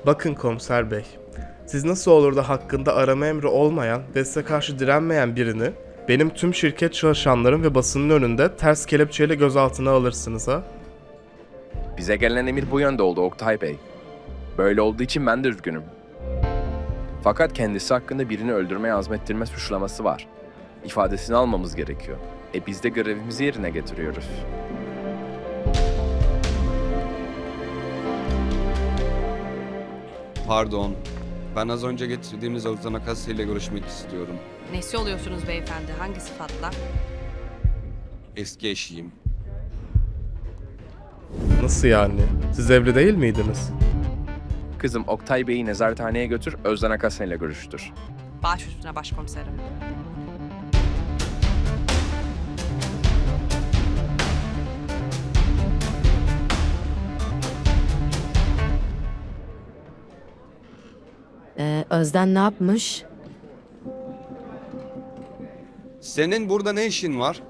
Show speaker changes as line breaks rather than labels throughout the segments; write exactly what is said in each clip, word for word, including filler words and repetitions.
Bakın komiser bey, siz nasıl olur da hakkında arama emri olmayan ve size karşı direnmeyen birini benim tüm şirket çalışanlarım ve basının önünde ters kelepçeyle gözaltına alırsınız ha?
Bize gelen emir bu yönde oldu Oktay Bey. Böyle olduğu için ben de üzgünüm. Fakat kendisi hakkında birini öldürmeye azmettirme suçlaması var. İfadesini almamız gerekiyor. E biz de görevimizi yerine getiriyoruz.
Pardon. Ben az önce getirdiğiniz Özden Akasya ile görüşmek istiyorum.
Nesi oluyorsunuz beyefendi? Hangi sıfatla?
Eski eşiyim.
Nasıl yani? Siz evli değil miydiniz?
Kızım Oktay Bey'i nezarethaneye götür, Özden Akasya ile görüştür.
Baş üstüne başkomiserim.
Ee, Özden ne yapmış?
Senin burada ne işin var?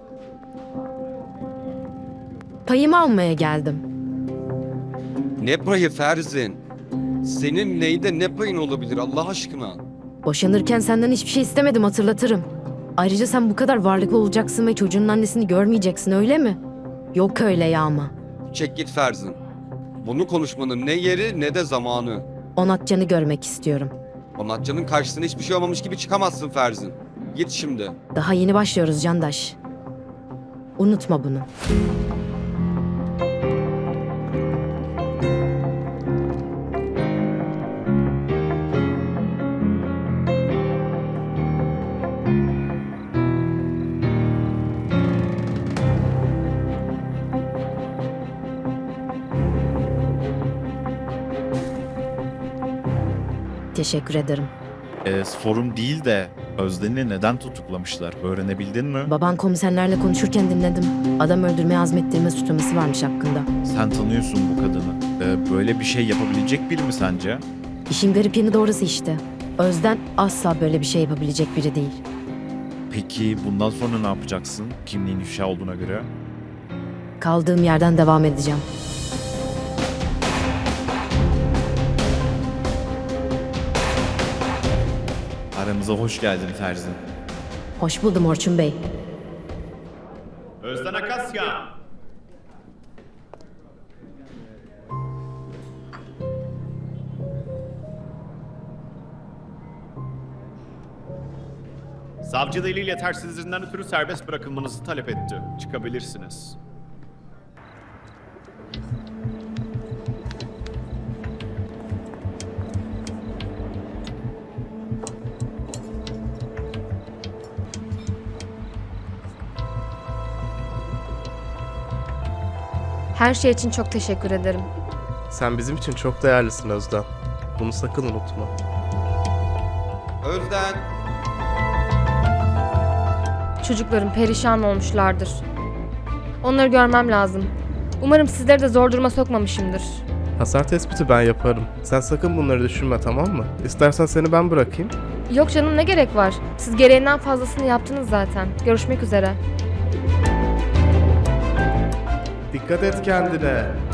Payımı almaya geldim.
Ne payı Ferzin? Senin neyde ne payın olabilir Allah aşkına?
Boşanırken senden hiçbir şey istemedim, hatırlatırım. Ayrıca sen bu kadar varlıklı olacaksın ve çocuğunun annesini görmeyeceksin, öyle mi? Yok öyle ya ama.
Çek git Ferzin. Bunu konuşmanın ne yeri ne de zamanı.
Onatcan'ı görmek istiyorum.
Onatcan'ın karşısına hiçbir şey olmamış gibi çıkamazsın Ferzin. Git şimdi.
Daha yeni başlıyoruz Candaş. Unutma bunu. Teşekkür ederim.
E, sorun değil de Özden'i neden tutuklamışlar? Öğrenebildin mi?
Baban komiserlerle konuşurken dinledim. Adam öldürmeye azmettirme suçlaması varmış hakkında.
Sen tanıyorsun bu kadını. E, böyle bir şey yapabilecek biri mi sence?
İşin garip yanı doğrusu işte. Özden asla böyle bir şey yapabilecek biri değil.
Peki bundan sonra ne yapacaksın? Kimliğin ifşa olduğuna göre.
Kaldığım yerden devam edeceğim.
Aramıza hoş geldin Ferzin.
Hoş buldum Orçun Bey.
Özden Akasya! Savcı delil yetersizliğinden ötürü serbest bırakılmanızı talep etti. Çıkabilirsiniz.
Her şey için çok teşekkür ederim.
Sen bizim için çok değerlisin Özden. Bunu sakın unutma.
Özden.
Çocuklarım perişan olmuşlardır. Onları görmem lazım. Umarım sizleri de zor duruma sokmamışımdır.
Hasar tespiti ben yaparım. Sen sakın bunları düşünme, tamam mı? İstersen seni ben bırakayım.
Yok canım, ne gerek var? Siz gereğinden fazlasını yaptınız zaten. Görüşmek üzere.
Dikkat et kendine.